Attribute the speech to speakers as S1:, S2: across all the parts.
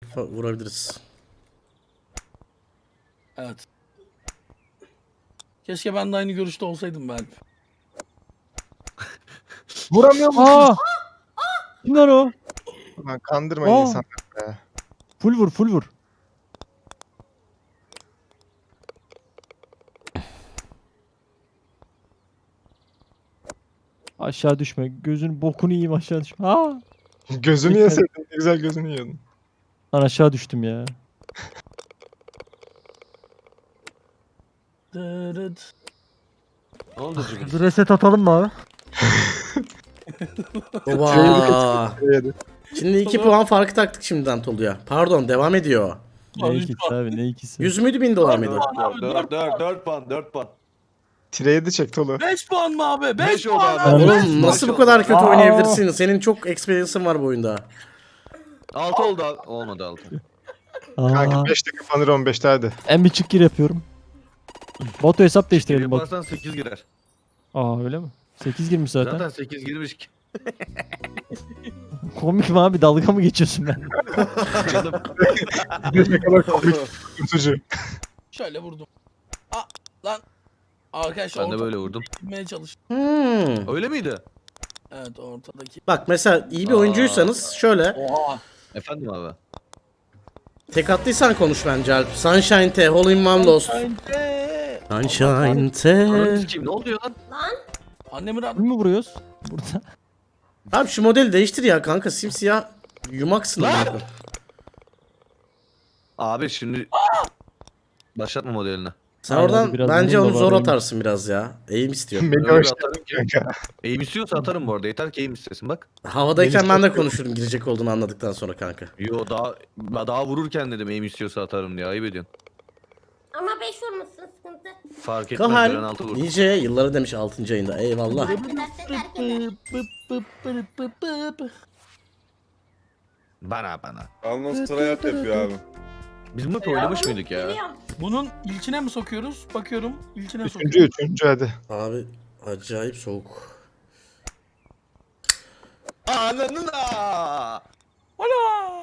S1: vurabiliriz.
S2: Evet. Keşke ben de aynı görüşte olsaydım ben.
S3: Vuramıyor mu?
S4: Aa! Kimler o?
S3: Lan kandırmayın
S4: Aa!
S3: insanları be.
S4: Full vur, full vur. Aşağı düşme. Gözün bokunu yiyeyim aşağı düşme. Aa!
S3: Gözünü
S4: Lütfen.
S3: yeseydin ne güzel gözünü yiyordun.
S4: Lan aşağı düştüm ya.
S2: Dırıt.
S5: Ne oldu Cüneyt?
S4: Bir reset atalım mı abi?
S1: Oba.
S3: Yedi.
S1: Şimdi 2 puan farkı taktık şimdiden Tolu'ya. Pardon, devam ediyor.
S4: Ne
S2: Abi,
S4: ikisi abi, ne ikisi?
S1: 100 müydü, 1000 dolar mıydı?
S5: 4 puan 4 puan.
S3: Tire 7 çek Tolu.
S2: 5 puan mı abi? 5
S5: Beş oldu
S2: puan
S5: abi.
S2: abi.
S4: Oğlum,
S2: beş
S1: Oğlum
S2: puan.
S1: nasıl bu kadar kötü oynayabilirsin? Senin çok experience'ın var bu oyunda.
S5: 6 oldu abi. Olmadı 6.
S3: Kanka
S4: Aa,
S3: 5 dakika panır 15'te hadi.
S4: en bir çık gir yapıyorum. Batu hesap değiştirelim bak.
S5: Yaparsan 8 girer.
S4: Aa öyle mi? 8 girmiş zaten.
S5: Zaten 8 girmiş ki.
S4: Komik mi abi? Dalga mı geçiyorsun ben?
S5: Canım.
S3: Ne kadar komik kurtucu.
S2: Şöyle vurdum. Aa, lan. Arkadaşlar
S5: Ben de böyle vurdum.
S2: gitmeye çalıştım.
S5: Öyle miydi?
S2: Evet ortadaki.
S1: Bak mesela iyi bir oyuncuysanız şöyle
S2: Oha.
S5: Efendim abi.
S1: tek attıysan konuş bence Alp. Sunshine T, Hole in One Lost. Sunshine T.
S5: Ananı sikeyim ne oluyor lan?
S2: Annemi rahat.
S4: Kim mi vuruyoruz? Burada.
S1: Abi şu modeli değiştir ya kanka, simsiyah yumaksın. amına.
S5: Abi şimdi başlatma modelini.
S1: Sen
S4: Aynen,
S1: oradan
S4: biraz
S1: bence
S4: bunun da
S1: onu
S4: var
S1: zor
S4: benim.
S1: atarsın biraz ya. Eğim istiyor.
S3: Beni
S5: Öyle
S3: hoş
S5: bir atarım ki.
S3: kanka.
S5: Eğim istiyorsa atarım bu arada. Yeter ki eğim istesin bak.
S1: Havadayken ben de konuşurum girecek olduğunu anladıktan sonra kanka.
S5: Yo daha vururken dedim eğim istiyorsa atarım diye. Ayıp ediyorsun.
S6: Ama 5 vurmuşsun sıkıntı.
S5: Fark etmez.
S1: Kahal
S5: Gören 6 vurur.
S1: nice yılları demiş 6. ayında. Eyvallah.
S6: Fark ederse terk eder.
S2: Pıp pıp pıp pıp pıp.
S5: Bana.
S7: Alnos tryhard yapıyor abi.
S5: Biz bu maçı oynamış mıydık ya?
S6: Biliyorum.
S2: Bunun ilkine mi sokuyoruz? Bakıyorum. İlkine
S3: Üçüncü
S2: sokuyorum.
S3: hadi.
S1: Abi acayip soğuk.
S5: Ananın aa!
S2: Hala.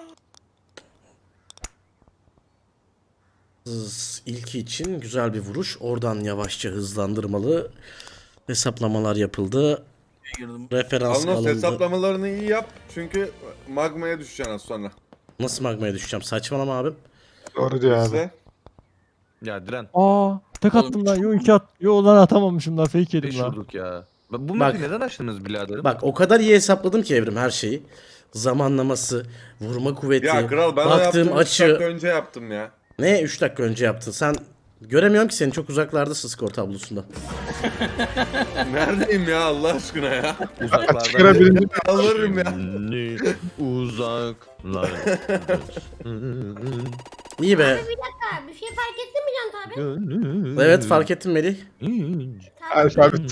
S1: İlki için güzel bir vuruş. Oradan yavaşça hızlandırmalı hesaplamalar yapıldı.
S2: Girdim.
S1: Referans
S7: Alnos
S1: alındı.
S7: hesaplamalarını iyi yap çünkü magmaya düşeceksin az sonra.
S1: Nasıl magmaya düşeceğim? Saçmalama abim.
S3: Doğru diyor abi.
S7: İşte
S5: Ya diren.
S4: Aa, tek attım lan. Yo 2 at. Yo lan atamamışım lan. Fake yedim
S5: 5
S4: lan.
S5: vurduk ya. Bu
S1: Bak.
S5: map'i neden açtınız biraderim?
S1: Bak o kadar iyi hesapladım ki Evrim her şeyi. Zamanlaması, vurma kuvveti,
S7: ya kral ben o
S1: baktığım
S7: yaptığım 3 dakika
S1: açı.
S7: önce yaptım ya.
S1: Ne 3 dakika önce yaptın? Sen göremiyorum ki seni, çok uzaklardasın skor tablosunda.
S7: Neredeyim ya Allah aşkına ya.
S5: Uzaklardan.
S3: Çıkara birinci.
S7: Alırım ya.
S5: Şimdi uzaklar.
S1: İyi be.
S6: Ha, bir şey fark ettin mi Can abi?
S1: Evet fark ettim Melih.
S3: Alfabet.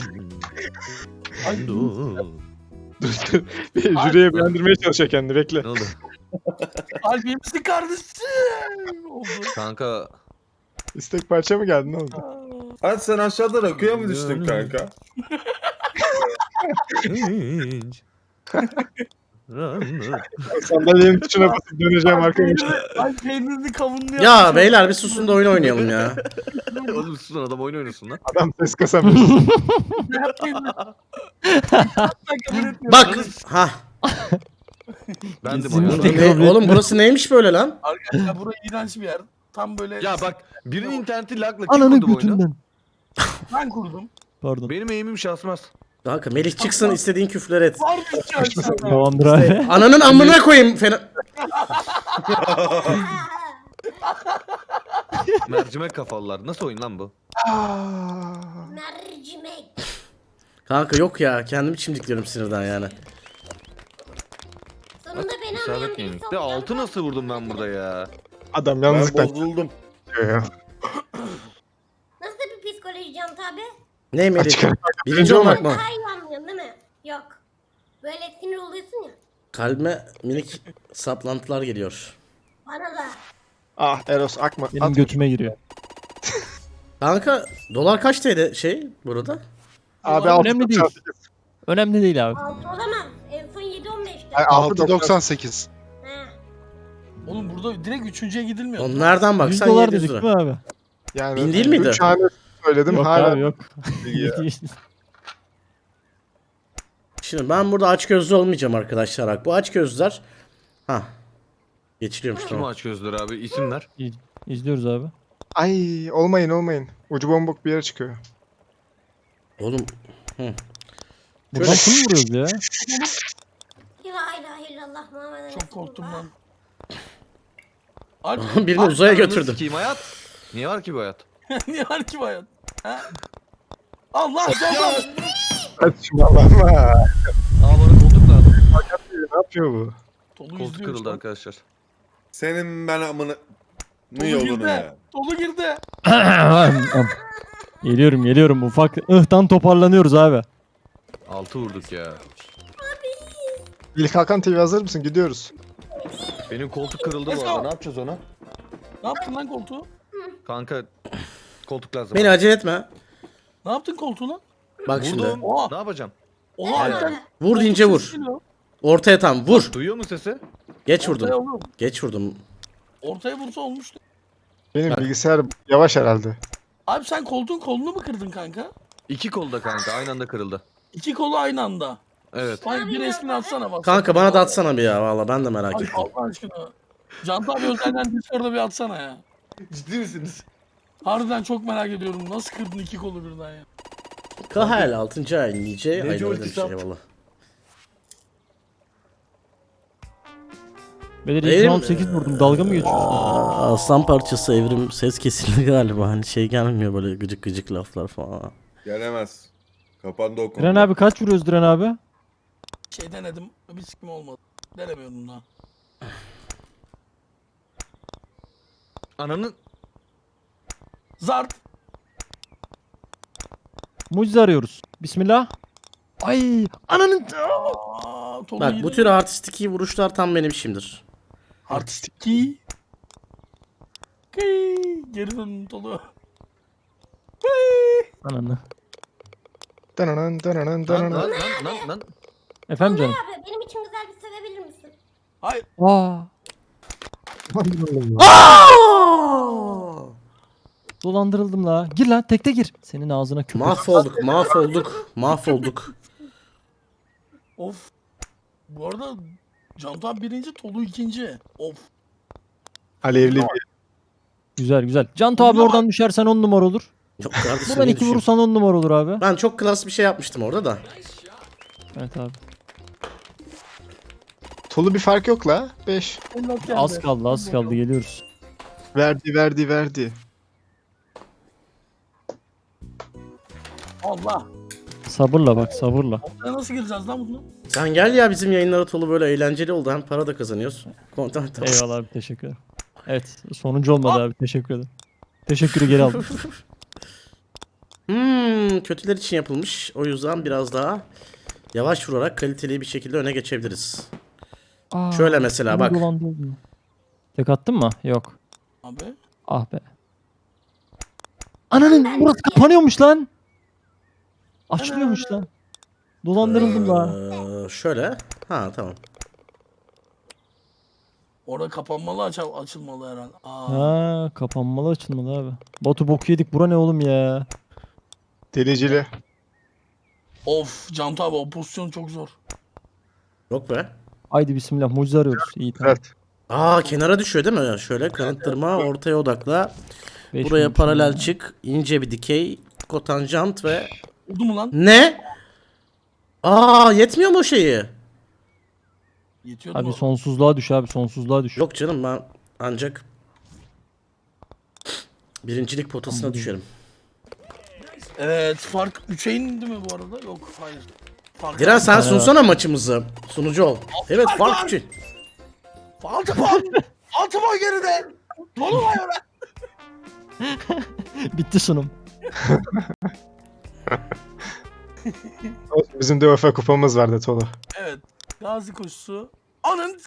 S3: Jüriye beğendirmeye çalışıyor kendini bekle.
S5: Ne oldu?
S2: Kalbimsin kardeşim. Oldu.
S5: Kanka
S3: İstek parça mı geldi ne oldu?
S7: Hadi sen aşağıda rakıya mı düştün kanka?
S3: Sandalyenin tuşuna basıp döneceğim arkadaşlar.
S2: Ay peynirli kavunlu
S1: Ya beyler bir susun da oyun oynayalım ya.
S5: Oğlum susun adam oyun oynasın lan.
S3: Adam ses kasamıyor.
S1: Bak. Ha.
S5: Ben de
S4: Bizim
S5: bayağı.
S4: tek-
S1: Oğlum burası neymiş böyle lan?
S2: Arkadaşlar burası iğrenç bir yer. Tam böyle
S5: Ya bak birinin interneti lagla kim
S4: Ananı
S5: kurdu bu oyunu?
S4: götünden.
S2: ben kurdum.
S4: Pardon.
S5: Benim eğimim şaşmaz.
S1: Kanka Melih çıksın, istediğin küfür et.
S2: Var mı ki aşağıda?
S4: Tamamdır abi.
S1: Ananın amına koyayım. Fena...
S5: Mercimek kafalılar. Nasıl oyun lan bu?
S6: Mercimek.
S1: Kanka yok ya, kendimi çimdikliyorum sinirden yani.
S6: Sonunda beni
S5: İsabet
S6: anlayan birisi
S5: yenik.
S6: oldu.
S5: De altı nasıl vurdum ben burada ya?
S3: Adam
S7: Ben
S3: yalnızlıktan
S7: bozuldum.
S3: çıkıyor ya.
S6: Nasıl bir psikoloji Can abi?
S1: Ne Melih?
S3: Açık ara.
S1: Birinci olmak mı?
S6: Daha iyi anlıyorsun değil mi? Yok. Böyle sinir oluyorsun ya.
S1: Kalbime minik saplantılar geliyor.
S6: Bana da.
S3: Ah Eros akma.
S4: Benim
S3: At.
S4: götüme giriyor.
S1: Kanka dolar kaç TL şey burada?
S3: Abi
S4: Önemli değil.
S3: 6.98.
S4: Önemli değil abi.
S6: 6 olamaz. En son 7-15'ti.
S3: Ay, 6.98.
S6: He.
S2: Oğlum burada direkt üçüncüye gidilmiyor.
S1: Oğlum nereden
S4: 100
S1: baksan
S4: dolar
S1: 700
S4: dedik
S1: lira.
S4: mi abi?
S3: Yani
S1: 1000 değil miydi?
S3: 3 hane söyledim
S4: Yok
S3: hala.
S4: abi yok.
S1: Şimdi ben burada açgözlü olmayacağım arkadaşlar. Bak bu açgözlüler. Ha. Geçiliyormuş
S5: Kim
S1: tamam.
S5: aç gözleri abi? İsimler.
S4: İzliyoruz abi.
S3: Ay olmayın. Ucu bombok bir yere çıkıyor.
S1: Oğlum
S4: Buradan kim vuruyoruz ya?
S6: La ilahe illallah Muhammed
S2: Çok korktum lan.
S1: birini uzaya
S5: Ananı
S1: götürdüm.
S5: sikeyim hayat. Niye var ki bu hayat?
S2: Niye var ki bu hayat? Ha? Allah canım.
S3: Saçmalama.
S5: Aa bana koltuk lazım.
S3: Ne yapıyor bu?
S2: Tolu
S5: Koltuk
S2: izliyor
S5: kırıldı
S2: şu an.
S5: arkadaşlar.
S7: Senin ben amını... Ne
S2: Tolu
S7: yolunu
S2: girdi.
S7: ya.
S2: Tolu girdi.
S4: Geliyorum ufak ıhtan toparlanıyoruz abi.
S5: 6 vurduk ya.
S3: İlk Hakan TV hazır mısın? Gidiyoruz.
S5: Benim koltuk kırıldı
S2: Let's
S5: bu arada.
S2: go.
S5: Ne yapacağız ona?
S2: Ne yaptın lan koltuğu?
S5: Kanka koltuk lazım.
S1: Beni acele etme.
S2: Ne yaptın koltuğuna?
S1: Bak şimdi.
S5: Vurdum.
S2: Oha.
S5: Ne yapacağım?
S2: Oha
S5: Evet.
S2: Alper.
S1: Vur deyince vur.
S2: Geliyor.
S1: Ortaya tam vur.
S5: Duyuyor mu sesi?
S1: Geç
S2: Ortaya
S1: vurdum.
S2: oğlum.
S1: Geç vurdum.
S2: Ortaya vursa olmuştu.
S3: Benim
S1: Bak.
S3: bilgisayar yavaş herhalde.
S2: Abi sen koltuğun kolunu mu kırdın kanka?
S5: 2 kolda kanka aynı anda kırıldı.
S2: İki kolu aynı anda.
S5: Evet.
S2: Bak bir resmini atsana bak.
S1: Kanka bana da atsana bir ya valla ben de merak
S2: Ay
S1: ettim.
S2: Allah aşkına. Canta abi özelden Discord'da bir atsana ya.
S5: Ciddi misiniz?
S2: Harbiden çok merak ediyorum. Nasıl kırdın iki kolu birden ya?
S1: Kahel 6. ay nice ayda öyle bir
S5: ultisi
S1: şey
S5: attı?
S1: valla.
S4: Bedir
S1: Değil
S4: ilk
S1: mi?
S4: round 8 vurdum. Dalga mı geçiyorsun?
S1: Aslan parçası evrim ses kesildi galiba hani şey gelmiyor böyle gıcık gıcık laflar falan.
S7: Gelemez. Kapandı o konu.
S4: Diren abi kaç vuruyoruz Diren abi?
S2: Şey denedim. Bir sikim olmadı. Denemiyordum daha.
S5: Ananın
S2: Zart.
S4: Mucize arıyoruz. Bismillah. Ay ananın.
S2: Aa, Tolu
S1: Bak
S2: yine
S1: bu tür artistik iyi vuruşlar tam benim işimdir.
S2: artistik ki. Geri dön Tolu.
S4: Ananı.
S3: Dananan dananan
S5: lan
S3: dananan.
S5: lan lan lan.
S4: Efendim canım.
S6: Abi benim için güzel bir sevebilir misin?
S2: Hayır.
S4: Aa. Dolandırıldım la. Gir lan tekte gir. Senin ağzına köpek.
S1: Mahvolduk.
S2: Of. Bu arada Canta abi birinci, Tolu ikinci. Of.
S3: Alevli bir.
S4: Güzel. Can abi oradan düşersen 10 numara olur.
S1: Yok kardeşim
S4: Buradan
S1: ne
S4: 2
S1: düşün-
S4: vurursan 10 numara olur abi.
S1: Ben çok klas bir şey yapmıştım orada da.
S4: Evet abi.
S3: Tolu bir fark yok la. 5.
S2: Ellat geldi.
S4: Az kaldı geliyoruz.
S3: Verdi.
S2: Allah.
S4: Sabırla bak sabırla.
S2: Ortaya nasıl gireceğiz lan bunu?
S1: Sen gel ya bizim yayınlara Tolu böyle eğlenceli oldu hem para da kazanıyoruz. Content da-
S4: Eyvallah abi teşekkür ederim. Evet sonuncu olmadı abi teşekkür ederim. Teşekkürü geri aldım.
S1: Kötüler için yapılmış. O yüzden biraz daha yavaş vurarak kaliteli bir şekilde öne geçebiliriz.
S4: Aa,
S1: Şöyle mesela bak.
S4: dolandırıldım. Tek attın mı? Yok.
S2: Abi.
S4: Ah be. Ananın burası kapanıyormuş lan. Açılıyormuş lan. Dolandırıldım la.
S1: Şöyle. Ha tamam.
S2: Orada kapanmalı açılmalı herhalde. Aa.
S4: Ha kapanmalı açılmalı abi. Batu boku yedik bura ne oğlum ya.
S3: Delicili.
S2: Of Canta abi o pozisyon çok zor.
S1: Yok be.
S4: Haydi bismillah mucize arıyoruz. İyi tamam.
S3: Evet.
S1: Kenara düşüyor değil mi? Şöyle kanıttırma, ortaya odakla.
S4: Beş
S1: Buraya
S4: minut
S1: paralel
S4: sonra.
S1: çık. İnce bir dikey. Kotanjant ve...
S2: Oldu mu lan?
S1: Ne? Yetmiyor mu o şeyi?
S2: Yetiyordu
S4: Abi
S2: mu?
S4: sonsuzluğa düş abi sonsuzluğa düş.
S1: Yok canım ben ancak birincilik potasına düşerim.
S2: Evet fark 3'e indi mi bu arada? Yok hayır. Fark
S1: Diren sen
S4: tane
S1: sunsana maçımızı. Sunucu ol. Evet
S2: Fark
S1: fark
S2: var.
S1: 3'ü.
S2: 6 puan. 6 puan geride. Tolu var ya.
S4: Bitti sunum.
S3: Bizim de UEFA kupamız vardı Tolu.
S2: Evet. Gazi koşusu. Anın.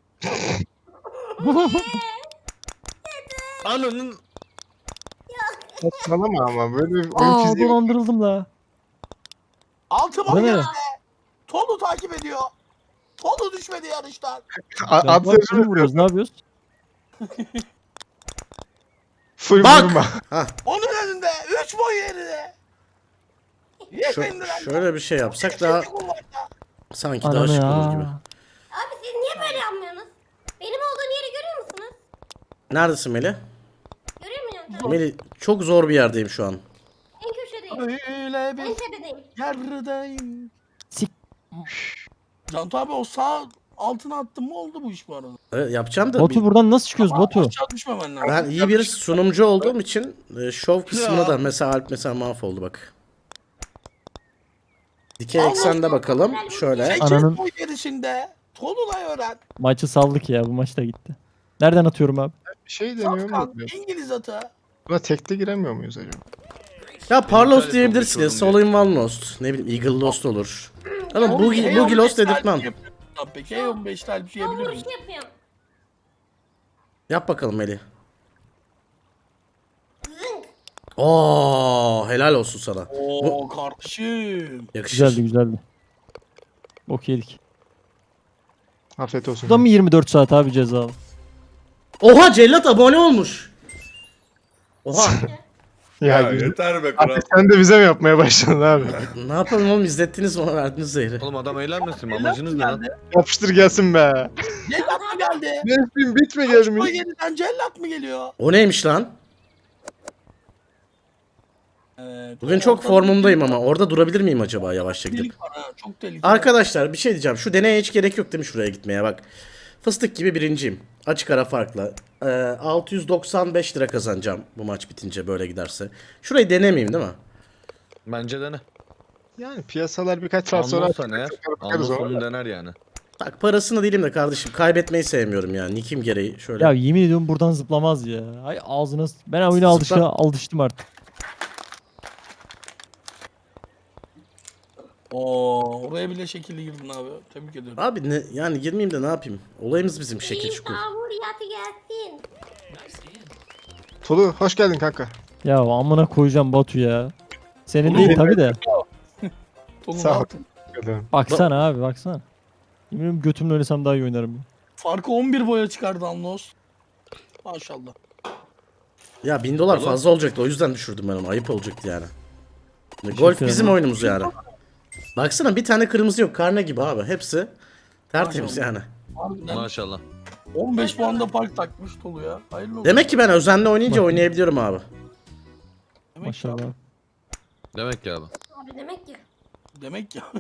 S5: Ananın
S3: Saçmalama ama böyle bir oyun
S4: Aa
S3: fiziği.
S4: dolandırıldım la.
S2: 6
S4: Bu
S2: puan
S4: ne?
S2: geride. Tolu takip ediyor. Tolu düşmedi yarıştan.
S3: Ad
S4: Kim
S3: sözümüz
S4: vuruyoruz ne yapıyoruz?
S3: Full
S1: Bak!
S3: vurma.
S1: Hah,
S2: Onun önünde 3 boy yerine. Yefendiler.
S1: şöyle bir şey yapsak daha sanki daha
S4: Ananı
S1: şık olur gibi.
S4: ya.
S6: Abi siz niye böyle yapmıyorsunuz? Benim olduğum yeri görüyor musunuz?
S1: Neredesin Melih?
S6: Görüyor musun?
S1: Melih çok zor bir yerdeyim şu an.
S6: En köşedeyim.
S2: Öyle
S6: En
S2: bir
S6: tepedeyim.
S2: yerdeyim.
S4: Sik.
S2: Cantu abi o sağ altına attın mı oldu bu iş bu arada.
S1: Evet, yapacağım da
S4: Batu buradan nasıl çıkıyoruz Batu?
S2: Aşağı düşmemen lazım.
S1: ben iyi bir sunumcu olduğum için şov kısmına da mesela Alp mesela mahvoldu bak. Dikey eksende bakalım. Şöyle.
S2: 8
S4: Ananın-
S2: boy gerisinde. Tolunay öğren.
S4: Maçı saldık ya, bu maç da gitti. Nereden atıyorum abi?
S3: Bir şey deniyor
S2: Safkan
S3: mu?
S2: İngiliz atı.
S3: Buna tekte giremiyor muyuz acaba?
S1: Ya Parlos
S5: İptal et,
S1: diyebilirsiniz.
S5: konuşalım
S1: All in One Lost. Ne bileyim Eagle Lost olur. Ama Boogie Lost dedirtmem.
S2: Peki E15 talip
S6: Şov
S2: yiyebilir miyim?
S6: vuruşu yapıyorum.
S1: Yap bakalım Melih. Oo, helal olsun sana.
S2: Oo kardeşim.
S1: Yakışır.
S4: Güzeldi güzeldi. Bok yedik.
S3: Afiyet olsun.
S4: Bu da mı 24 saat abi cezalı?
S1: Oha Cellat abone olmuş. Oha.
S3: Ya,
S7: Ya yeter be kral.
S3: artık sen de bize mi yapmaya başladın abi?
S1: Ne yapalım oğlum, izlettiniz bana, verdiniz zehri.
S5: Oğlum adam eğlenmesin mi? Amacınız ne lan?
S2: geldi.
S3: Yapıştır gelsin be.
S2: Cellat mı geldi?
S3: Mevsim bitme
S2: Boy
S3: gelmiş.
S2: yeniden cellat mı geliyor?
S1: O neymiş lan?
S2: Evet.
S1: Bugün çok
S2: orada
S1: formumdayım ama orada durabilir miyim acaba yavaşça gidip?
S2: Delik var ha, çok tehlikeli.
S1: Arkadaşlar bir şey diyeceğim. Şu deneye hiç gerek yok değil mi şuraya gitmeye bak. Fıstık gibi birinciyim. Açık ara farkla. 695 lira kazanacağım bu maç bitince böyle giderse. Şurayı denemeyeyim değil mi?
S5: Bence dene.
S3: Yani piyasalar birkaç saat sonra
S5: Anlıyorsan eğer.
S3: bakarız ona.
S5: Anlıyorsan dener yani.
S1: Bak parasını değilim de kardeşim, kaybetmeyi sevmiyorum yani. Nikim gereği şöyle.
S4: Ya yemin ediyorum buradan zıplamaz ya. Ay ağzına ben oyuna alıştım artık.
S2: Oo, oraya bile şekilli girdin abi. Tebrik ediyorum.
S1: Abi ne yani, girmeyeyim de ne yapayım? Olayımız bizim şekil çukur.
S6: Yağmur yatı gelsin.
S3: Tolu hoş geldin kanka.
S4: Ya amına koyacağım Batu ya. Senin
S2: Oğlum,
S4: değil tabi de.
S2: Tolun
S3: Sağ ol.
S2: altın.
S4: Baksana abi baksana. Yemin ediyorum götümle oynasam daha iyi oynarım.
S2: Farkı 11 boya çıkardı Anlos. Maşallah.
S1: Ya 1000 dolar fazla olacaktı, o yüzden düşürdüm ben onu. Ayıp olacaktı yani. Golf bizim
S4: ederim.
S1: oyunumuz yani. Baksana bir tane kırmızı yok, karne gibi abi. Hepsi tertemiz yani.
S2: Harbiden
S5: Maşallah.
S2: 15 puanda fark takmış Tolu ya. Hayırlı olsun.
S1: Demek ki ben özenle oynayınca oynayabiliyorum abi.
S2: Demek
S4: Maşallah.
S2: Ya.
S5: Demek ki abi.
S6: Abi demek ki.
S2: Demek ya.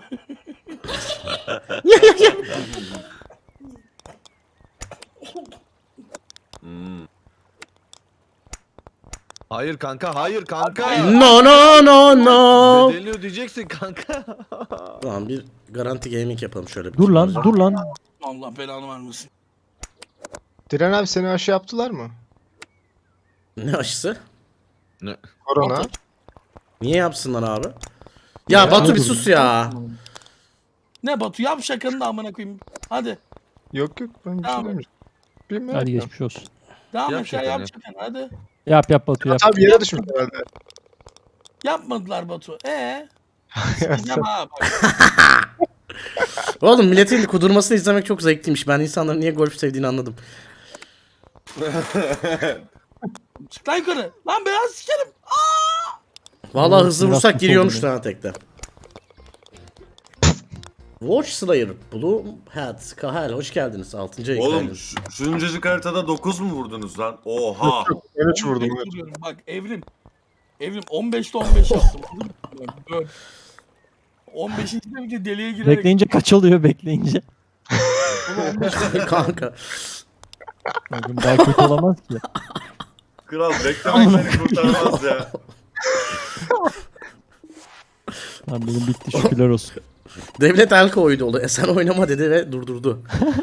S5: Hayır kanka, hayır kanka.
S1: No no no no.
S5: Bedelini ödeyeceksin kanka.
S1: Tamam, bir garanti gaming yapalım şöyle.
S4: Dur lan dur lan.
S2: Allah belanı vermesin.
S3: Diren abi seni aşı yaptılar mı?
S1: Ne aşısı?
S5: Ne?
S3: Korona.
S1: Niye yapsınlar abi? Ya Batu bir sus ya.
S2: Ne Batu yap şakanı da amına koyayım. Hadi.
S3: Yok yok ben bir şey
S2: Tamam.
S3: demiyorum. Bilmiyorum.
S4: Hadi geçmiş olsun.
S2: Devam
S5: Yap
S2: et ya
S5: şakanı.
S2: yap şakanı hadi.
S4: Yap Batu yap.
S3: Abi yere düşmüş herhalde.
S2: Yapmadılar Batu. Sikeceğim ha bak.
S1: Oğlum milletin kudurmasını izlemek çok zevkliymiş. Ben insanların niye golf sevdiğini anladım.
S2: Çık lan yukarı. Lan biraz sikerim.
S1: Vallahi
S4: Oğlum,
S1: hızlı
S4: biraz
S1: vursak
S4: kötü
S1: giriyormuş
S4: oldum ya.
S1: lan tekte. Watch Slayer, Blue Hat, Kahel hoş geldiniz. 6. ayı
S7: Oğlum
S1: geldiniz.
S7: şu incecik haritada 9 mu vurdunuz lan? Oha.
S3: Ben 3 vurdum.
S2: 15 vuruyorum. Bak Evrim. Evrim 15'te 15 yaptım. Bak, böyle. 15. de deliye girerek.
S4: Bekleyince kaç oluyor bekleyince?
S1: Kanka.
S4: Bakın daha kötü olamaz ki.
S7: Kral beklemek seni kurtarmaz ya.
S4: Lan benim bitti şükürler olsun.
S1: Devlet el koydu oldu. Sen oynama dedi ve durdurdu.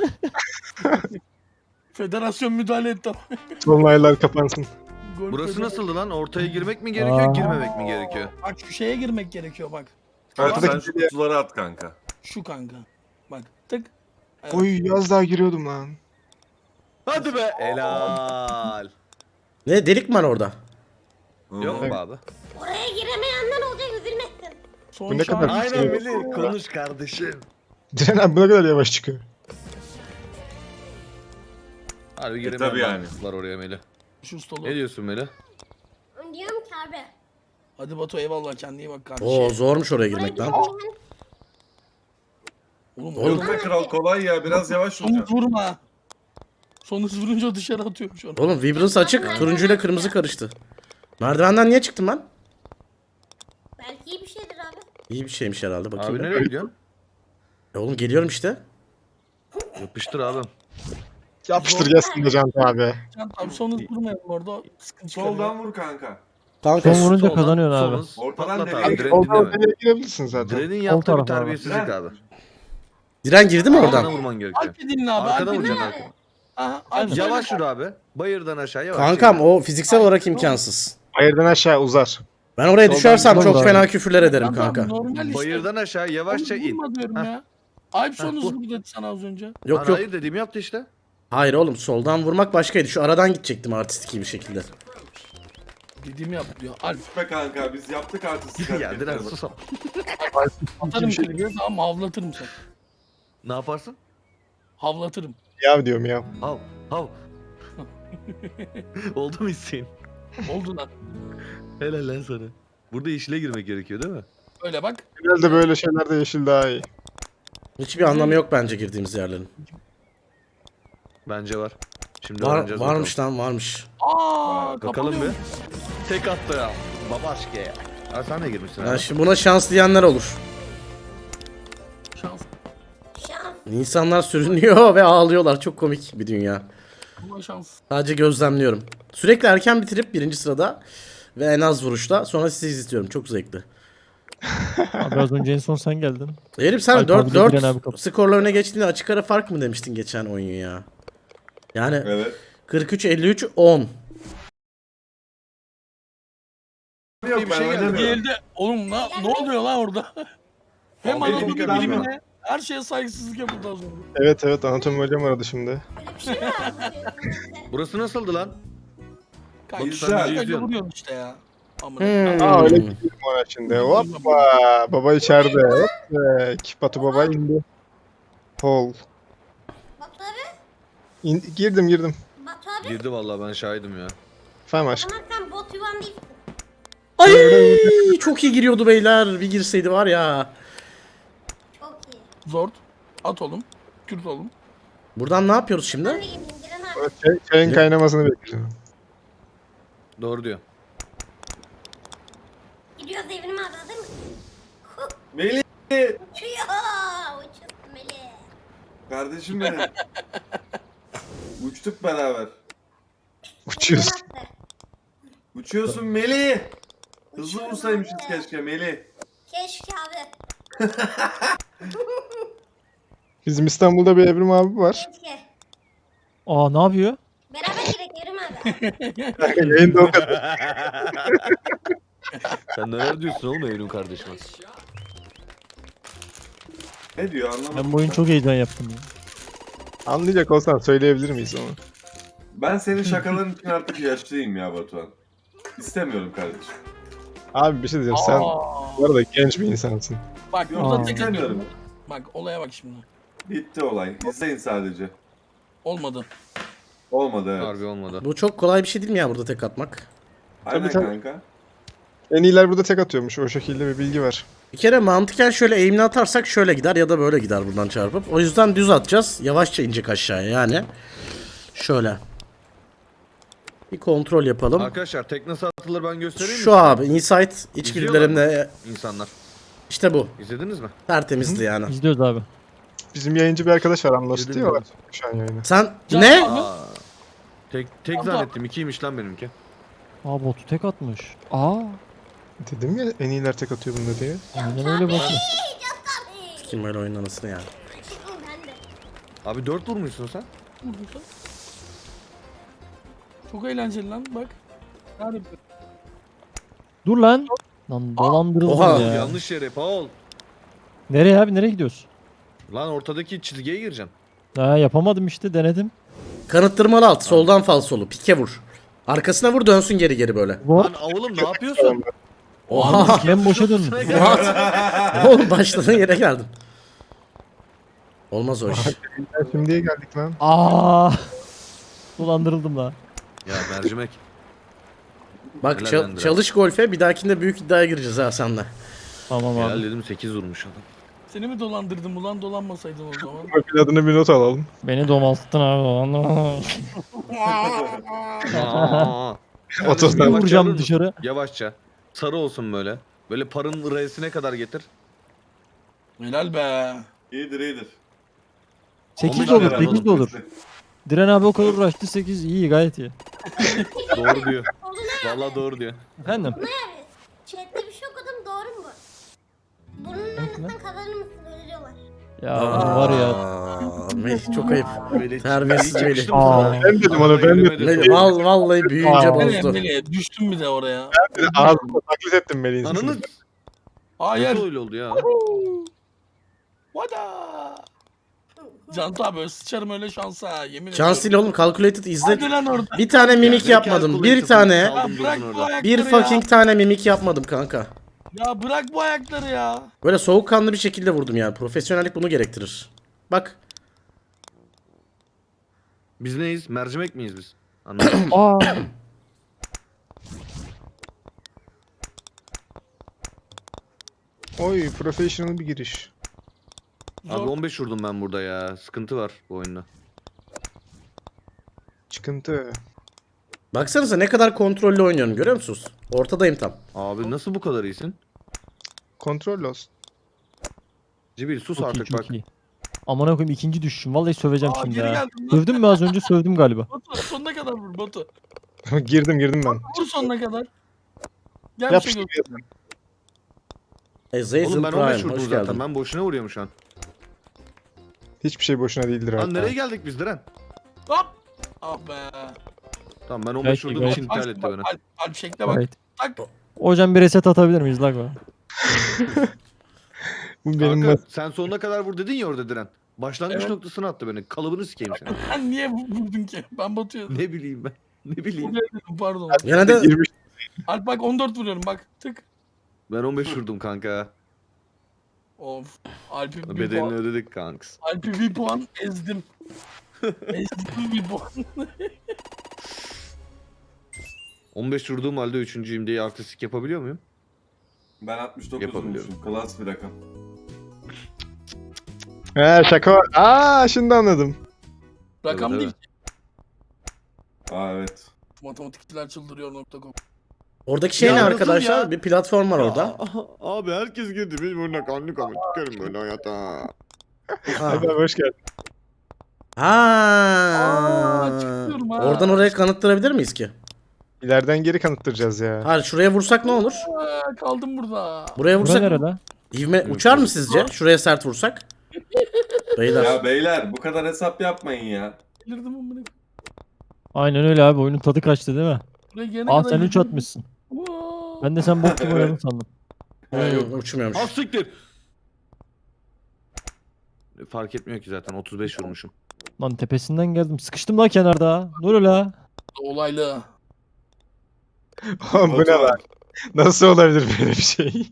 S2: Federasyon müdahale etti.
S3: Tonlaylar kapansın.
S2: Gol
S5: Burası
S2: federasyon-
S5: nasıldı lan? Ortaya girmek mi gerekiyor,
S4: Aa.
S5: girmemek mi gerekiyor?
S2: Bak şu şeye girmek gerekiyor bak.
S7: Hadi
S3: Arkadaki
S7: sen şu kutuları at kanka.
S2: Şu kanka. Bak tık. Evet.
S3: Oy yaz daha giriyordum lan.
S5: Hadi be. Helal.
S1: Ne delik mi var orada?
S5: Yok mu abi?
S6: Oraya giremeyenler olacak, üzülmesin.
S2: Son
S3: Bu ne kadar-
S2: şans.
S3: Aynen
S5: Melih. Konuş kardeşim.
S3: Diren abi bu ne kadar yavaş çıkıyor.
S5: Harbi giremem
S7: tabii yani.
S5: var oraya Melih.
S2: Şu ustalı.
S5: Ne diyorsun Melih?
S6: Diyorum ki abi.
S2: Hadi Batu eyvallah kendine iyi bak kardeşim.
S1: Oo zormuş oraya
S6: Oraya
S1: girmek lan.
S6: gitmeyin.
S2: Oğlum,
S1: Oğlum.
S7: Yok be kral kolay ya biraz yavaş
S2: Son hız
S7: vuracaksın.
S2: vurma. Son hız vurunca dışarı atıyorum şu an.
S1: Oğlum Vibrance açık. Turuncuyla kırmızı karıştı. Merdivenden niye çıktım ben?
S6: Belki iyi bir şeydir abi.
S1: İyi bir şeymiş herhalde bakayım.
S5: Abi nereye gidiyorsun?
S1: Oğlum geliyorum işte.
S5: Yapıştır abi.
S3: Yapıştır gelsin de Can abi.
S2: Can abi son hız vurmayalım orada. Sıkıntı çıkarıyor.
S7: Soldan vur kanka.
S1: Kanka
S4: Son vurunca
S5: Soldan,
S4: kazanıyorsun abi.
S5: solun,
S7: Ortadan
S5: patlat
S7: nereye
S5: abi.
S7: gidiyor?
S5: Direnin
S3: Oradan
S5: değil mi?
S3: oraya girebilirsin zaten.
S5: Direnin yaptığı bir
S4: tarafa abi.
S5: terbiyesizlik abi.
S1: Diren girdi mi
S5: Arkana
S1: oradan?
S5: vurman gerekiyor.
S2: Alp'i dinle abi.
S5: Arkada
S2: Alp'i
S5: vuracaksın
S2: dinle.
S5: arkana.
S2: Aha, Alp
S5: Yavaş yürü abi. Bayırdan aşağı yavaş.
S1: Kankam o fiziksel olarak imkansız.
S3: Hayırdan aşağı uzar.
S1: Ben oraya
S4: Soldan
S1: düşersem çok
S4: gidiyorum
S1: fena
S4: abi.
S1: küfürler ederim
S2: Tamam,
S1: kanka.
S2: normal işte.
S5: Bayırdan aşağı yavaşça
S2: Oğlum,
S5: in.
S2: vurma diyorum
S5: Heh.
S2: ya. Alp son
S5: Heh,
S2: hız
S5: vur.
S2: vur dedi sana az önce.
S1: Yok yok.
S5: Hayır dediğimi yaptı işte.
S1: Hayır oğlum soldan vurmak başkaydı. Şu aradan gidecektim artistik bir şekilde.
S2: Dediğimi yap diyor. Alp
S7: Be kanka biz yaptık artık.
S5: Ya Diren sus ama.
S2: atarım
S3: şey
S2: seni diyor tamam havlatırım seni.
S5: Ne yaparsın?
S2: Havlatırım.
S3: Ya diyorum ya.
S5: Hav. Hav. Oldu mu isteğin?
S2: Oldu lan.
S5: Helal lan sana. Burada yeşile girmek gerekiyor değil mi?
S2: Öyle bak.
S3: Genelde böyle şeylerde yeşil daha iyi.
S1: Hiçbir anlamı yok bence girdiğimiz yerlerin.
S5: Bence var. Şimdi öğreneceğiz
S1: Varmış lan varmış.
S2: Aa
S5: Bakalım
S2: kapanıyor.
S5: bir. Tek attı ya. Babaşke ya. Ha sen de girmişsin
S1: Ya
S5: abi.
S1: şimdi buna şans diyenler olur.
S2: Şans.
S6: Şans.
S1: İnsanlar sürünüyor ve ağlıyorlar. Çok komik bir dünya.
S2: Buna şans.
S1: Sadece gözlemliyorum. Sürekli erken bitirip birinci sırada ve en az vuruşta sonra sizi izliyorum. Çok zevkli.
S4: Abi az önce en son sen geldin.
S1: Herif sen
S4: Alp abi de Diren abi
S1: 4-4
S4: kapı.
S1: skorlarına geçtiğinde açık ara fark mı demiştin geçen oyun ya? Yani
S7: Evet.
S1: 43-53-10.
S7: Yok
S5: bir
S7: ben
S5: şey geldi.
S7: oynamıyorum.
S2: Diğerde oğlum ne oluyor lan orada? Hem
S7: Abi,
S2: anatomi
S7: benim
S2: bilimine her şeye saygısızlık yapıldı az önce.
S3: Evet anatomi hocam aradı şimdi.
S6: Öyle bir şey mi var bu?
S5: Burası nasıldı lan?
S2: Kanka
S7: Güzel.
S2: sen öyle
S5: İzliyorum.
S2: vuruyorsun işte ya. Amına.
S3: Aa öyle gidiyorum ona şimdi. Hoppa. Baba içeride. Hoppa. Batu baba indi. Hol.
S6: Batu abi.
S3: Girdim.
S6: Batu abi.
S5: Girdi vallahi ben şahidim ya.
S3: Efendim aşkım.
S6: Ama sen bot yuvan değilsin.
S1: Ay çok iyi giriyordu beyler. Bir girseydi var ya.
S6: Çok iyi.
S2: Zord. At oğlum. Kürt oğlum.
S1: Buradan ne yapıyoruz
S6: Ben
S1: şimdi?
S6: de gideyim Diren abi.
S3: Çayın kaynamasını bekliyorum.
S5: Doğru diyor.
S6: Gidiyoruz Evrim abi hazır mısın?
S7: Melih.
S6: Uçuyor. Uçuyorsun Melih.
S7: Kardeşim benim. Uçtuk beraber.
S3: Uçuyoruz.
S6: Attı.
S7: Uçuyorsun Melih. Hızlı
S6: Uçuyorum
S7: vursaymışız
S6: abi.
S7: keşke Melih.
S6: Keşke abi.
S3: Bizim İstanbul'da bir Evrim abi var.
S6: Keşke.
S4: Aa ne yapıyor?
S6: Beraber girek Evrim abi.
S3: Kanka yayında o kadar.
S5: Sen neler diyorsun oğlum Evrim kardeşime?
S7: Ne diyor anlamadım.
S4: Ben bu oyun çok heyecan yaptım ya.
S3: Anlayacak olsan söyleyebilir miyiz onu?
S7: Ben senin şakaların için artık yaşlıyım ya Batuhan. İstemiyorum kardeşim.
S3: Abi bir şey diyeceğim. Sen
S2: Aa.
S3: bu arada genç bir insansın.
S2: Bak
S7: Yok,
S2: burada
S4: Aa.
S2: tek
S7: istemiyorum.
S2: atıyorum. Bak olaya bak şimdi.
S7: Bitti olay. İzleyin sadece.
S2: Olmadı.
S7: Olmadı evet.
S5: Harbi olmadı.
S1: Bu çok kolay bir şey değil mi ya burada tek atmak?
S7: Aynen
S3: tabii.
S7: kanka.
S3: En iyiler burada tek atıyormuş. O şekilde bir bilgi var.
S1: Bir kere mantıken şöyle eğimli atarsak şöyle gider ya da böyle gider buradan çarpıp. O yüzden düz atacağız. Yavaşça inecek aşağıya yani. Şöyle. Bir kontrol yapalım.
S5: Arkadaşlar tek nasıl atılır ben göstereyim mi?
S1: Şu abi insight içgüdülerimle
S5: İnsanlar.
S1: işte bu.
S5: İzlediniz mi?
S1: Tertemizdi yani.
S4: İzliyoruz abi.
S3: Bizim yayıncı bir arkadaş var Anlos
S5: Yedim
S3: diyorlar
S5: ben.
S3: şu an yayını.
S1: Sen
S2: Can
S1: ne?
S2: abi.
S5: Aa, tek
S2: Abla.
S5: zannettim. 2'ymiş lan benimki.
S4: Aa botu tek atmış. Aa.
S3: Dedim ya en iyiler tek atıyor bunda diye.
S4: Aynen öyle bakın.
S6: Tabii.
S1: Kim böyle oyun anasını ya.
S6: Ben de.
S5: Abi 4 vurmuşsun sen.
S2: Vurduysa. Çok eğlenceli lan bak. Yani
S4: Dur lan. Lan dolandırıldım
S1: Oha.
S4: ya.
S5: Yanlış yere Paul.
S4: Nereye abi nereye gidiyoruz?
S5: Lan ortadaki çizgiye gireceksin.
S4: Ha yapamadım işte denedim.
S1: Kanıttırmalı alt. Soldan falsolu. Pike vur. Arkasına vur dönsün geri geri böyle.
S4: What?
S5: Lan oğlum ne yapıyorsun?
S1: Oha.
S4: Ben boşa döndüm.
S1: What? Oğlum başladığın yere geldin. Olmaz o iş.
S3: Şimdiye geldik lan.
S4: Aa. Dolandırıldım la.
S5: Ya mercimek.
S1: Bak
S5: Helal lan Diren.
S1: çalış golfe, bir dahakinde büyük iddiaya gireceğiz ha senle.
S4: Tamam
S5: Helal
S4: abi.
S5: dedim 8 vurmuş adam.
S2: Seni mi dolandırdım ulan, dolanmasaydın o zaman.
S3: Profil adına bir not alalım.
S4: Beni domalttın abi.
S5: Aa.
S3: Otuz
S5: Kardeşim,
S3: tane
S5: yavaşça
S4: Vuracağım
S5: vurur musun?
S4: dışarı.
S5: Yavaşça. Sarı olsun böyle. Böyle parın R'sine kadar getir.
S2: Helal be.
S7: İyidir iyidir.
S4: 8 de
S5: 15
S4: olur,
S5: lira
S4: 8 de olur. Diren abi o kadar uğraştı, 8 iyi, gayet iyi.
S5: Doğru diyor. Vallahi doğru diyor.
S4: Efendim?
S6: Chat'te bir şey okudum, doğru mu? Bunun önünden kazanır mısın? Öyle diyorlar.
S4: Ya var ya.
S1: Melih çok ayıp.
S5: Melih,
S1: Terbiyesiz
S5: Melih yakıştı
S1: Melih.
S5: mı
S4: Aa.
S5: sana?
S3: Ben dedim onu, ben dedim.
S1: Melih vallahi büyüyünce
S4: Aa.
S1: bozdu.
S2: Nereye düştüm bir de oraya.
S3: Ağzımda taklit ettim Melih'in
S5: Ananı
S3: sesini.
S2: Hayır.
S5: nasıl öyle oldu ya?
S2: Vada. Cantu abi sıçarım öyle şansa, yemin
S1: Şans değil oğlum, calculated izle.
S2: Hadi lan orada.
S1: Bir tane mimik
S5: Ya,
S1: yapmadım. Bir
S5: calculated
S1: tane.
S5: saldım
S2: Ya bırak
S5: durdun
S2: bu
S5: orada.
S2: ayakları
S1: Bir
S2: ya.
S1: fucking tane mimik yapmadım kanka.
S2: Ya bırak bu ayakları ya.
S1: Böyle soğukkanlı bir şekilde vurdum yani. Profesyonellik bunu gerektirir. Bak.
S5: Biz neyiz? Mercimek miyiz biz? Anladım.
S4: Aa.
S3: Oy, professional bir giriş.
S5: Abi 15 vurdum ben burada ya. Sıkıntı var bu oyunda.
S3: Çıkıntı.
S1: Baksanıza ne kadar kontrollü oynuyorum, görüyor musunuz? Ortadayım tam.
S5: Abi nasıl bu kadar iyisin?
S3: Kontrol lost.
S5: Cibil sus
S4: Çok iyi,
S5: artık
S4: çok
S5: bak.
S4: iyi. Amına koyayım, ikinci düşüşüm. Vallahi söveceğim
S2: Aa,
S4: şimdi
S2: geri
S4: ya.
S2: geldim lan.
S4: Sövdüm mü az önce? Sövdüm galiba.
S2: Batu sonuna kadar vur Batu.
S3: girdim ben.
S2: Vur sonuna kadar. Gel bir
S3: Yapıştır.
S2: şey göster.
S1: Azazel
S5: Oğlum ben 15
S1: Prime,
S5: vurdum
S1: hoş
S5: zaten.
S1: geldin.
S5: Ben boşuna vuruyorum şu an.
S3: Hiçbir şey boşuna değildir
S5: Lan
S3: hatta.
S5: nereye geldik biz Diren?
S2: Hop. Ah be.
S5: Tamam ben 15
S4: Belki,
S5: vurduğum
S4: belki.
S5: için iptal etti beni.
S2: Alp şekle bak.
S4: Evet.
S2: Tak.
S4: Hocam bir reset atabilir miyiz lan?
S3: Bu benim
S5: Kanka sen sonuna kadar vur dedin ya orada Diren. Başlangıç
S2: Evet.
S5: noktasına attı beni. Kalıbını sikeyim seni.
S2: Sen niye vurdun ki? Ben Batu'ya
S5: Ne bileyim ben. Ne bileyim.
S2: dedim, pardon.
S1: Yine de
S3: girmiş.
S2: Alp bak 14 vuruyorum bak. Tık.
S5: Ben 15 vurdum kanka.
S2: Of. Alp'i bir
S5: Bedelini
S2: puan.
S5: ödedik kanks.
S2: Alp'i bir puan ezdim. Ezdim bir puan.
S5: 15 vurduğum halde 3.'yüm diye artistik yapabiliyor muyum?
S7: Ben 69
S5: Yapabiliyorum.
S7: vurmuşum. Klas bir rakam.
S3: He, şaka var. Aa, şimdi anladım.
S2: Rakam
S5: Evet,
S2: değil.
S7: Aa evet.
S2: Matematikçiler çıldırıyor.com.
S1: oradaki şey
S5: Ya
S1: ne
S5: nasıl
S1: arkadaşlar?
S5: ya?
S1: Bir platform var orada.
S5: Abi herkes girdi. Biz burada kanlı kanlı çıkarım böyle hayata.
S1: Ha.
S3: Hadi hoş geldin.
S2: çıkıyorum ha.
S1: Oradan oraya kanıttırabilir miyiz ki?
S3: İleriden geri kanıttıracağız ya.
S1: Hayır, şuraya vursak ne olur?
S2: Kaldım burada.
S1: Buraya
S4: Bura
S1: vursak
S4: nerede?
S1: ivme uçar mı sizce? Şuraya sert vursak? Beyler.
S7: Ya beyler bu kadar hesap yapmayın ya.
S2: Delirdim amına.
S4: Aynen öyle abi, oyunun tadı kaçtı değil mi?
S2: Buraya gelene
S4: Aa
S2: kadar
S4: sen 3
S2: yürüdüm.
S4: atmışsın.
S2: Wow.
S4: Ben de sen bok gibi oynadın sandım.
S1: Yok, uçmuyormuş.
S5: Ha siktir. Fark etmiyor ki zaten 35 vurmuşum.
S4: Lan tepesinden geldim. Sıkıştım lan kenarda. Ne oluyor la?
S2: Olaylı.
S3: Oğlum bu ne lan? Nasıl olabilir böyle bir şey?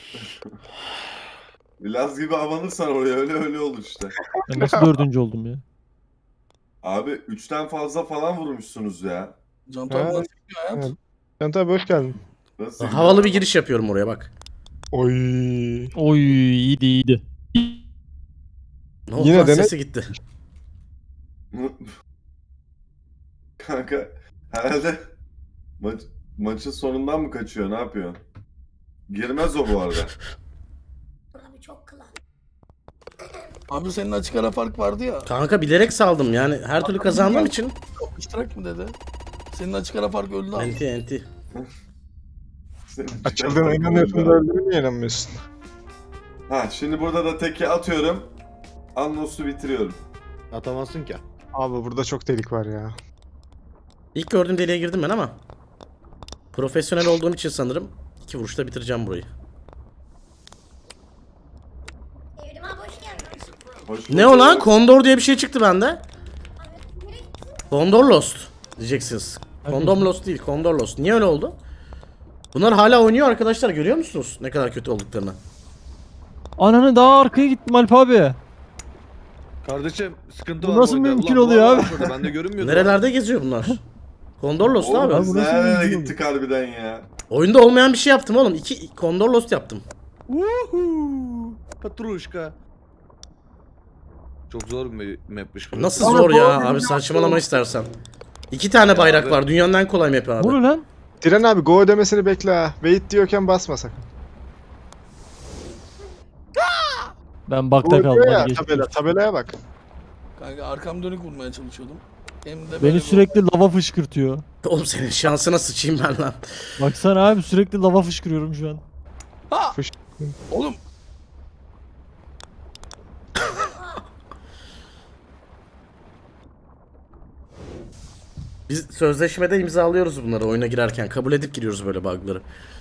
S7: Laz gibi abanırsan oraya öyle olur işte.
S4: Ben nasıl dördüncü oldum ya?
S7: Abi 3'ten fazla falan vurmuşsunuz ya.
S2: Cantu abi
S3: Ha.
S2: nasıl gidiyor hayat?
S3: Evet. Can tabi hoş geldin.
S7: Nasıl?
S1: Havalı bir giriş yapıyorum oraya bak.
S3: Oy.
S4: Oy iyiydi iyiydi.
S1: Ne oldu
S3: Yine
S1: lan,
S3: dene-
S1: sesi gitti.
S7: Kanka herhalde maçın sonundan mı kaçıyor? Ne yapıyor? Girmez o bu arada.
S6: Abi çok klas.
S2: Abi senin açık ara fark vardı ya.
S1: Kanka bilerek saldım yani, her türlü kazandığım için.
S2: İştirak mı dedi? Senin açık ara fark öldü abi.
S1: Enti enti.
S3: Açıldığına inanıyorsun da öldüğüne niye inanmıyorsun?
S7: Ha şimdi burada da teki atıyorum. Anlos'u bitiriyorum.
S5: Atamazsın ki.
S3: Abi burada çok delik var ya.
S1: İlk gördüğüm deliğe girdim ben ama profesyonel olduğum için sanırım 2 vuruşta bitireceğim burayı.
S6: Evrim abi hoş geldin.
S7: Hoş
S1: Ne o lan? Kondor diye bir şey çıktı bende. Kondor Lost diyeceksiniz. Kondom Lost değil, Kondor Lost. Niye öyle oldu? Bunlar hala oynuyor arkadaşlar, görüyor musunuz ne kadar kötü olduklarını?
S4: Ananı daha arkaya gittim Alp abi.
S5: Kardeşim sıkıntı
S4: Bu
S5: var.
S4: nasıl
S5: oyunda.
S4: mümkün
S5: Ulan bu
S4: oluyor
S5: adam
S4: abi?
S5: şurada, ben de görünmüyordu.
S1: Nerelerde geziyor bunlar? Kondor Lost
S7: Oğlum
S1: abi.
S7: biz
S4: bu nasıl
S7: nerelere
S4: mümkün
S7: gittik harbiden ya.
S1: Oyunda olmayan bir şey yaptım oğlum. 2 Kondor Lost yaptım.
S5: Woohoo! Patruşka. Çok zor bir mapmiş bu.
S1: Nasıl zor ya abi, saçmalama istersen. 2 tane bayrak
S5: abi.
S1: var. Dünyanın en kolay map'i
S4: Ne
S1: abi.
S4: oluyor lan?
S3: Diren abi go demesini bekle ha. Wait diyorken basma sakın.
S4: Ben bakta
S3: Go
S4: kaldım.
S3: diyor ya
S4: Hadi geç.
S3: tabelaya bak.
S2: Kanka arkam dönük vurmaya çalışıyordum. Hem de böyle
S4: Beni
S2: bir-
S4: sürekli lava fışkırtıyor.
S1: Oğlum senin şansına sıçayım ben lan.
S4: Baksana abi sürekli lava fışkırıyorum şu an.
S2: Ha!
S3: Fış-
S2: Oğlum
S1: Biz sözleşmede imzalıyoruz bunları oyuna girerken. Kabul edip giriyoruz böyle bug'ları.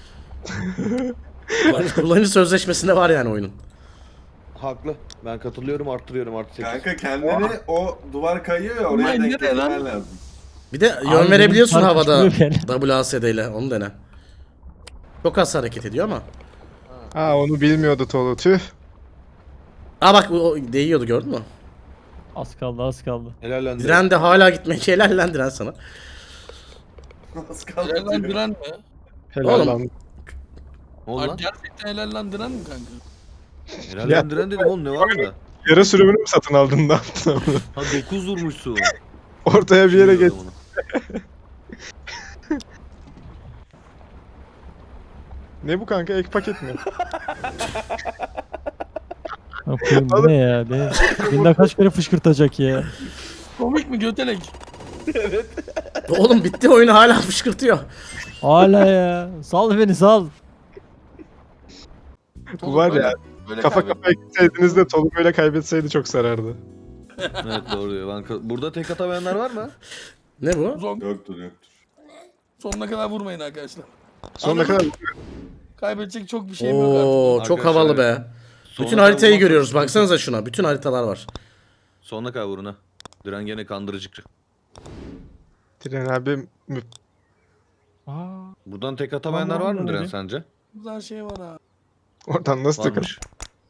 S1: Kullanıcı sözleşmesinde var yani oyunun.
S5: Haklı. Ben katılıyorum, arttırıyorum artı 8.
S7: Kanka kendini o duvar kayıyor ya oraya
S2: Ulan
S7: denk
S2: nereye lan?
S7: getirmen lazım.
S1: Bir de
S4: Abi
S1: yön
S4: benim
S1: verebiliyorsun
S4: fark
S1: havada
S4: çıkmıyor yani.
S1: WASD ile, onu dene. Çok az hareket ediyor ama.
S3: Ha onu bilmiyordu Tolu tüh.
S1: Aa bak o değiyordu, gördün mü?
S4: Az kaldı az kaldı.
S5: Helal lan.
S1: Diren de hala gitmek helal lan Diren sana.
S7: Az kaldı
S2: helal lan
S7: diyor.
S2: diren mi?
S3: Helal
S1: Oğlum.
S3: lan.
S5: Ne oldu
S2: Ay,
S5: lan?
S2: gerçekten helal lan diren mi kanka?
S5: Helal
S3: Ya.
S5: lan Diren dedim oğlum, ne var bunda?
S3: Yara sürümünü mü satın aldın ne yaptın onu?
S5: Ha 9 vurmuşsun.
S3: Ortaya bir yere geç.
S5: Bilmiyordum onu.
S3: Ne bu kanka ek paket mi?
S4: Ha, koyayım, bu ne ya? Beni kaç kere fışkırtacak ya.
S2: Komik mi götelek?
S1: Oğlum bitti, oyunu hala fışkırtıyor.
S4: Hala ya. Sal beni sal.
S3: Bu var ya
S2: Böyle
S3: kafa
S2: kaybettim.
S3: kafaya gitseydiniz de Tolu böyle kaybetseydi çok sarardı.
S5: Evet doğru diyor. Burada tek atamayanlar var mı?
S1: Ne bu?
S7: Yoktur yoktur.
S2: Sonuna kadar vurmayın arkadaşlar.
S3: Sonuna kadar
S2: Kaybedecek çok bir şeyim yok artık.
S1: Oo çok
S5: Arkadaşlar,
S1: havalı be. Bütün
S5: Sonuna
S1: haritayı
S5: kadar
S1: görüyoruz.
S5: vurmazsak
S1: Baksanıza şuna. Bütün haritalar var.
S5: Sonuna kadar vurun ha. Diren gene kandırıcı.
S3: Diren abi
S4: Aa,
S5: Buradan tek atamayanlar
S4: Aman
S5: var mı
S4: Allah'ım
S5: Diren
S4: ya.
S5: sence?
S2: Güzel şey var ha.
S3: oradan nasıl takıl?
S5: Varmış.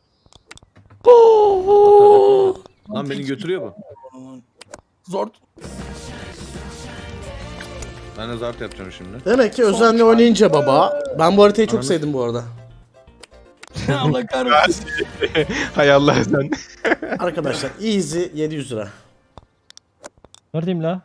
S5: Lan beni götürüyor bu.
S2: Zor.
S5: Ben de zart yapacağım şimdi.
S1: Demek ki özenle oynayınca baba. Ben bu haritayı çok
S5: Ananı-
S1: sevdim bu arada.
S2: Allah kahretsin.
S3: Hay Allah sen.
S1: Arkadaşlar easy 700 lira.
S4: neredeyim la?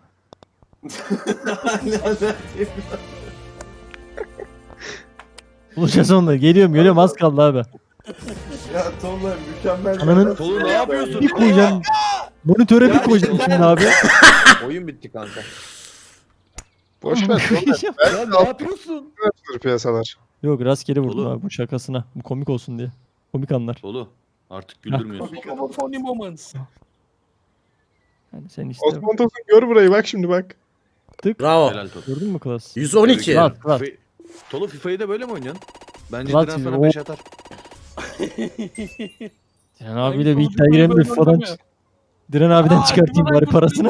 S4: Bulacağız onunla. Geliyorum az kaldı abi.
S7: Ya Tolga mükemmel.
S4: Ananın-
S5: Tolu ne yapıyorsun?
S4: Bir koyacağım. Monitöre bir koyacağım şimdi abi.
S5: Oyun bitti kanka.
S3: Boş ver.
S5: Ya ne yapıyorsun?
S3: Tolu piyasalar.
S4: Yok rastgele vurdum
S5: Oğlum.
S4: abi bu şakasına. Bu komik olsun diye. Komik anlar.
S5: Tolu artık güldürmüyorsun.
S2: Ama funny moments.
S4: Yani sen işte
S3: Osman Tosun gör burayı bak şimdi bak.
S1: Bravo.
S5: Helal Tolu.
S4: gördün mü klas?
S1: 112.
S4: Lan. Klas.
S5: Tolu FIFA'yı da böyle mi oynuyorsun? Bence
S4: Klas
S5: Diren sana
S4: o-
S5: 5 atar.
S4: Diren abiyle bir iddia girelim de falan. Diren abiden çıkartayım bari parasını.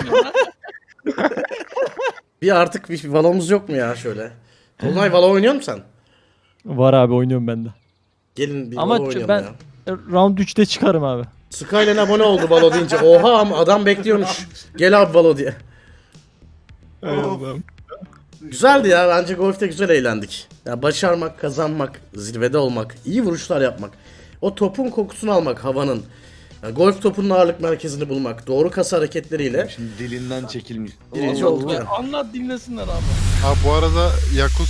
S1: Bir artık bir valomuz yok mu ya şöyle? Tolunay valo oynuyor musun sen?
S4: Var abi oynuyorum ben de.
S1: Gelin bir
S4: Ama
S1: valo oynayalım
S4: ben-
S1: ya.
S4: Round 3'te çıkarım abi.
S1: Skyline abone oldu valo deyince. Oha ama adam bekliyormuş. Gel abi valo diye.
S3: Hay Allah'ım.
S1: Güzeldi ya, bence golfte güzel eğlendik. Ya başarmak, kazanmak, zirvede olmak, iyi vuruşlar yapmak. O topun kokusunu almak havanın. Ya golf topunun ağırlık merkezini bulmak. Doğru kas hareketleriyle
S5: Şimdi dilinden çekilmiş.
S1: birinci
S5: Allah
S1: olduk
S5: Allah.
S1: ya.
S2: Anlat dinlesinler abi.
S8: Ha bu arada Yakuz